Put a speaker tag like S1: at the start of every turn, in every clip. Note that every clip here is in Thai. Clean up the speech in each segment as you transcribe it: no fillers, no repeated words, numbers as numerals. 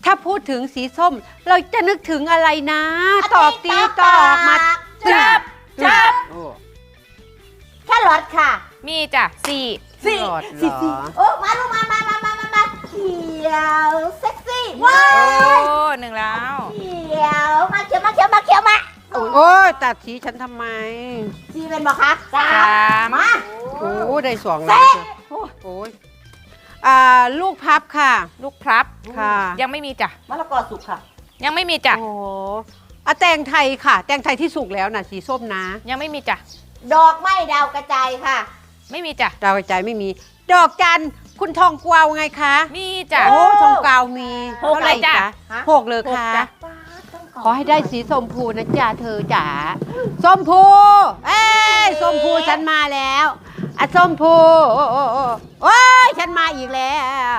S1: ถ้าพูดถึงสีส้ม เราจะนึกถึงอะไรนะ ตอบตีตอบมา
S2: จับ
S1: โอ้
S2: แค่รถค่ะ
S3: มีจ้ะสี่
S1: หลอดเหรอ
S2: โอ้มาลูกมาเขียวเซ็กซี่ว้า
S3: โอ้
S2: ย
S3: หนึ่งแล้ว
S2: เขียวมาเขียวมา
S1: โอ้ยตัดสีฉันทำไม
S2: จีเป็นบอกคะสาม มา
S1: โอ้ได้สองแล้วจ้ะโอ้ยลูกพับค่ะ
S3: ลูกพลับ
S1: ค่ะ
S3: ยังไม่มีจ้ะ
S2: มะละกอสุกค่ะ
S3: ยังไม่มีจ้ะ
S1: โอ้แตงไทยค่ะ แตงไทยที่สุกแล้วนะสีส้มนะ
S3: ยังไม่มีจ้ะ
S2: ดอกไม้ดาวกระจายค่ะ
S3: ไม่มีจ้ะ
S1: ดาวกระจายไม่มี ดอกจันทร์คุณทองกวาวไงคะ
S3: มีจ้ะ
S1: โอ้ทองกวาวมี
S3: หก
S1: เท่าไหร่
S3: เลยจ้ะ
S1: จ๊ะ
S2: ฮะ
S1: หกเลยค่ะ
S3: หกจ้ะ
S1: ขอให้ได้สีส้มพูนะจ๊ะเธอจ๋าส้มพูเอ้ยส้มพูฉันมาแล้วอ่ะส้มพูโอ้ยฉันมาอีกแล้ว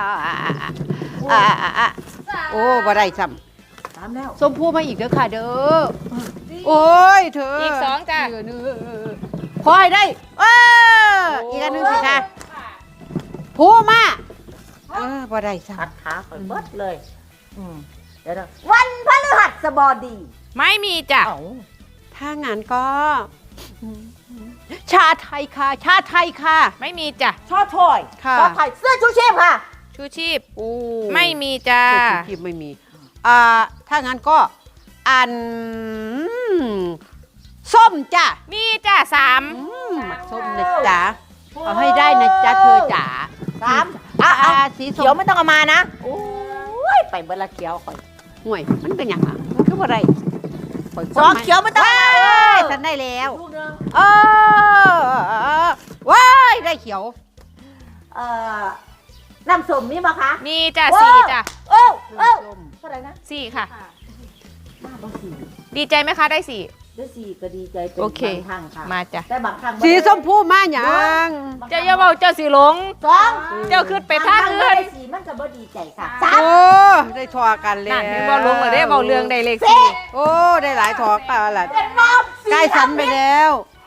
S1: โอ้บ่ได้ซ้
S2: สามแล้ว
S1: ำส้มพูมาอีกเด้อค่ะเด้อโอ้ยเธอ
S3: อี
S1: อี
S3: กสองจ้ะ
S1: ขอให้ได้อีกอันหนึงสิคะพูมาบ่ได้ซ้
S2: ขัดขาคอยเบิดเลยเดี๋ยววันพฤหัสบดี
S3: ไม่มีจ้ะ
S1: ำถ้างานก็ ชาไทยค่ะ ชาไทยค่ะ
S3: ไม่มีจ้ะ
S2: ชอถอย
S1: ค่ะ
S2: ชอถอยเสื้อชูชีพค่ะ
S3: ชูชีพ
S1: โอ้
S3: ไม่มีจ้ะ
S1: ตัวชีพไม่มีถ้างั้นก็อันส้มจ้ะ
S3: มีจ้ะสาม
S1: ส้มนะจ๊ะเอาให้ได้นะจ๊ะเธอจ๋า
S2: สาม
S1: สี
S2: เขี
S1: ส้
S2: ยว
S1: ม
S2: ไม่ต้องเอามานะ โอ้ย ไปเบอร์ละเขียวคอย
S1: ห่วยมันเป็นอย่างไรมันคืออะไร
S2: สองเขียวไม่ต้องเอามา
S1: ฉันได้แล้ว
S2: ลูกนึง
S1: ว้ายได้เขียว
S2: น้ำส้มมีไหมคะ
S3: มีจ้ะสี่จ้ะ
S2: โอ้
S1: ส้ม
S2: เท่าไหร่นะ
S3: สี่ค่ะ
S2: มากกว่าสี่
S3: ดีใจไหมคะได้สี่
S2: ได้สี่ก็ดีใจเป็น
S3: โอเค
S2: บางครั้งค่ะ
S3: มาจ้ะ
S2: แต่บางครั้ง
S1: สีส้มพูมาอย่าง
S3: เจ้าอย่าเบาเจ้าสีหลง
S2: สอง
S3: เจ้าขึ้นไปทางอื่น
S2: ได้สี่มันก็บ่ดีใจค่ะสาม
S1: โอ้ได้ทอกันแล้ว
S3: นั่นเห็นเบาหลงเลยได้เบาเรืองได้เลขสี่
S1: โอ้ได้หลายทอกันละ
S2: เป็นรอบ
S1: ใกล้สันไปแล้ว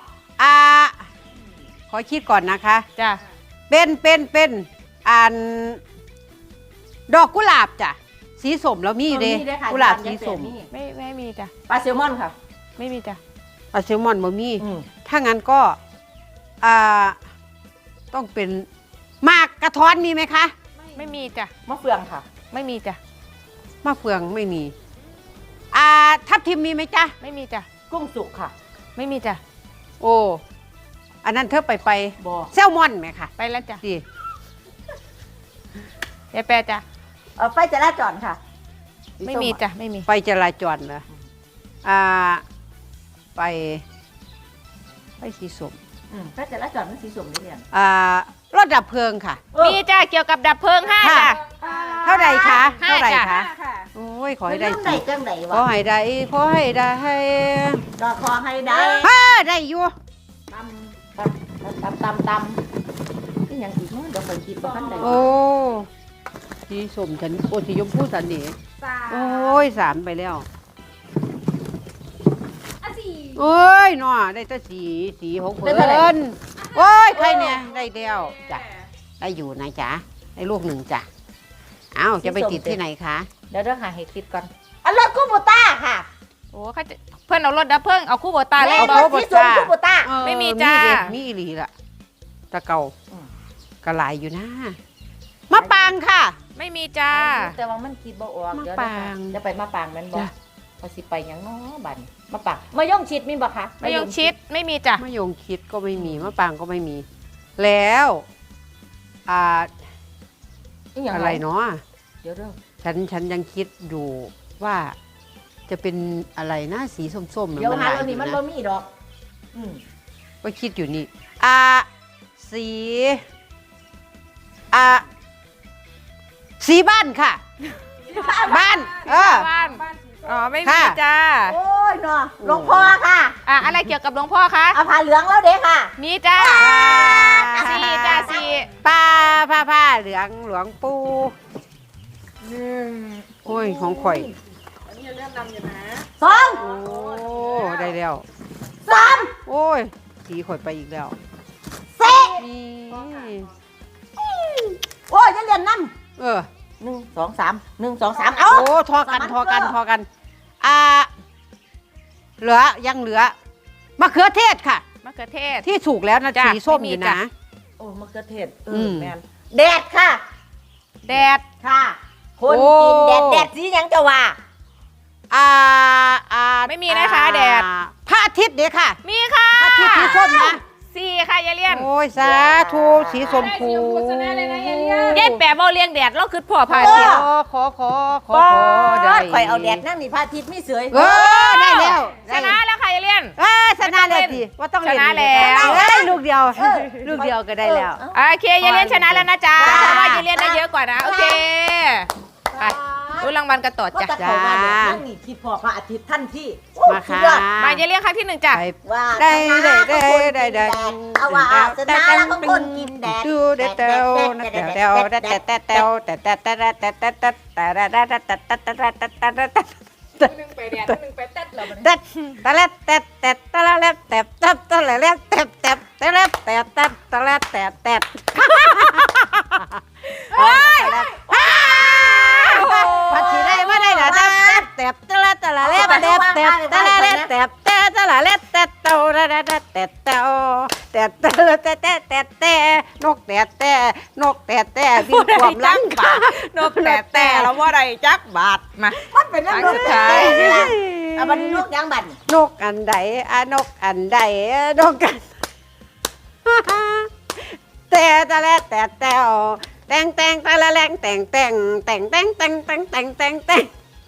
S1: ขอคิดก่อนนะคะ
S3: จ้ะ
S1: เป็นอันดอกกุหลาบจ้ะสีส้มแล้วมีเด้กุหลาบสีส้ม
S3: ไม่มีจ้ะ
S2: ปลาแซลมอนค่ะ
S3: ไม่มีจ้ะ
S1: อัลเซลมอนบ่มีถ้างั้นก็ต้องเป็นหมากกระท้อนมีไหมคะ
S3: ไม่มีจ้ะ
S2: มะเฟืองค่ะ
S3: ไม่มีจ้ะ
S1: มะเฟืองไม่มีทับทิมมีไหมจ๊ะ
S3: ไม่มีจ้ะ
S2: กุ้งสุกค่ะ
S3: ไม่มีจ้ะ
S1: โอ้อันนั้นเธอไป
S2: บอ
S1: แซลมอนไหมคะ
S3: ไปแล้วจ้ะ
S1: สิ
S3: ยายแปรจ้ะ
S2: ไฟจราจรค่ะ
S3: ไม่มีจ้ะไม่มี
S1: ไปจราจรเหรอไปสีส้ม
S2: ไฟจราจรมันสีส้มนี่เนี่ย
S1: รถดับเพลิงค่ะ
S3: มีจ้ะเกี่ยวกับดับเพลิงห้า
S1: ค่ะ
S3: จ้ะ
S1: เท่าไหร่คะ
S3: ห้า
S1: เท่าไหร่
S3: จ้ะ
S1: คะโอ้ยขอให้ได้
S2: ได้
S1: สิ
S2: จังไหน
S1: ขอ
S2: วะ
S1: ให้ได้ขอให้ได้
S2: ก็ขอให้ได้
S1: ได้อยู่
S2: ตำนี่ยังอีกมั้งเดี๋ยวคอยคิดว่าขั้นใด
S1: โอ้สีส้มฉันโอ้สีชมพูสันนี่โอ้ยสามไปแล้วโอ้ยหน่อได้แต่สีของเพิ่นโอ้ยใครเนี่ยได้แล้วจ้ะได้อยู่นะจ๊ะได้ลูกหนึ่งจ้ะเอ้าจะไปติดที่ไหนคะ
S2: เดี๋ยวหาให้คิดก่อนรถคูโบต้าค่ะ
S3: โอ้เขาจะเพื่อนเอารถดับเพลิงเอาคู่โบตาเล่น
S1: เอา
S3: บ
S1: คู่
S3: อ
S1: โบ
S2: สีส้มคูโบต้า
S3: ไม่มีจ้ะ
S1: มีอีหลีละตะเกากระหลายอยู่นะมะปางค่ะ
S3: ไม่มีจ้า
S2: แต่ว่ามันคิดบ่ออก
S1: มะ
S2: เดี๋ยว
S1: ปาง
S2: จะไปมาปางแมันบ่
S1: จ้ะ
S2: เขาสิไปหยังน้อบันมาปางมายงชิดมีบ่คะ
S3: มะยงชิดไม่มีจ้ะ
S1: มะยงคิดก็ไม่มีมะปางก็ไม่มี แล้วอะไรเนาะ
S2: เดี๋ยวเด้อ
S1: ฉันยังคิดอยู่ว่าจะเป็นอะไรนะสีส้มๆ
S2: เดี๋ยว
S1: มัน
S2: หา
S1: หลาย
S2: ตัว
S1: อ
S2: นี้
S1: ยู่
S2: มัน
S1: นะ
S2: บ่มีดอก
S1: ก็คิดอยู่นี่สีสีบ้านค่ะ บ้าน
S3: บ้านอ๋อไม่มี
S1: ค่ะ
S3: จ้า
S2: โอ้ยเนาะหลวงพ่อค่ะ
S3: อะไรเกี่ยวกับหลวงพ่อคะ
S2: เอาผ้าเหลืองแล้วเด้ค่ะ
S3: มีจ้าสี่จ้าสี่
S1: ผ้าเหลืองหลวงปู่โอ้ยของข่อย
S2: สอง
S1: โอ้ได้แล้ว
S2: สาม
S1: โอ้ยสีข่อยไปอีกแล้ว
S2: สี่
S1: นี่
S2: โอ้ยจะเรียนน้
S1: เออ
S2: 1 2 3 1 2 3เอา
S1: โอ้ทอกันทอกันทอกันเหลือยังเหลือมะเขือเทศค่ะ
S3: มะเขือเทศ
S1: ที่สุกแล้วนะ
S3: จ้ะ
S1: สีส้ม
S3: ไม่มี
S1: อยู่
S3: จ้ะ
S1: นะ
S2: โอ้มะเขือเทศ
S1: ม
S2: แมนแดดค่ะ
S3: แดด
S2: ค่ะ คนกินแดดสีหยังจะว่า
S3: ไม่มีนะคะแดด
S1: พระอาทิตย์เดี๋ยวค่ะ
S3: มีค่ะ
S1: พระอาทิตย์สีส้มนะ
S3: สี่ค่ะยายเลียน
S1: โอ้ยสาธุสีชมพู
S3: เย็ดแปะเบาเลียงแดดเราคือพ่อพา
S1: ข
S3: เที่ยว
S1: ขอได้
S2: ข่อยเอาแดดนั่งนี่พระอาทิตย์ไม่เสย
S1: ได้แล้ว
S3: ชนะแล้วค่ะยายเลียน
S1: ชนะเลยสิว่าต้องเล่น
S3: ชนะแล้ว
S1: ลูกเดียวลูกเดียวก็ได้แล้ว
S3: โอเคยายเลียนชนะแล้วนะจ๊ะ
S1: จ้า
S3: เพราะว่ายายเลียนได้เยอะกว่านะโอเคไปรู้รางวัลกันต่อ
S2: ก็
S3: จ้ะ
S2: จะเข้ามาแดดนั่งนี่คิดพอพระอาทิตย์ท่านที่
S1: มาค่ะ
S3: มายายเลียนครั้งที่หนึ่งจ้ะ
S1: ไป
S2: ว่า
S1: ได้
S2: ชนะ
S1: ได้
S2: ของคน
S1: ได้
S2: กิน
S1: ได้
S2: แดดเอาว่าชนะแล้วของคนกินแดด
S1: ดูได้เต้านะเต้าได้แต่แต่เต้าแต่แต่แต่แต่แต่แต่แต่แต่แต่แต่แต่แต่แต่แต่
S3: หนึ่งไปแดดหนึ่งไปเต้นเรา
S1: แต่แต่ละแต่แต่แต่ละแต่แต่แต่ละแต่แต่แต่ละแต่แต่แต่ละแต่แต่พัดสีได้ไม่ได้หรอแต่แต่ละแต่ละแต่แต่แต่แต่ละแต่แต่แต่ละแต่เต้าแต่แต่แต่แต่แต่แต่แต่แต่แต่นกแต่แต่นกแต่แต่บินความลังป่าน
S3: กแต่เราว่าไรจักบาทมา
S2: มันเป็นเรื่อง
S3: ครั้งสุดท้าย
S2: เอาบันลูกยางบัน
S1: นกอันใดนกอันใดนกกันแต่แต่ละแต่แต่แต่งแต่งแต่ละแรงแต่งแต่งแต่งแต่งแต่งแต่งแต่งแต่งแต่ง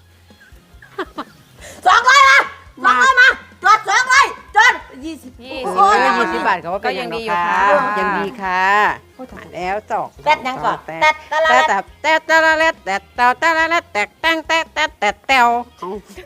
S2: 200มา200มาจด200จด20
S3: ยี่
S1: โอ้
S3: สิบ
S1: ย20 บาทเขาว่าเป็นยังดีค่ะยังดีค่ะมาแล้วจอก
S2: แป๊ดยังก่อน
S1: แต่
S2: แป๊ดตะละ
S1: แต่แต่แต่ละแต่แต่แต่ละแต่แต่งแต่แต่แต่แต่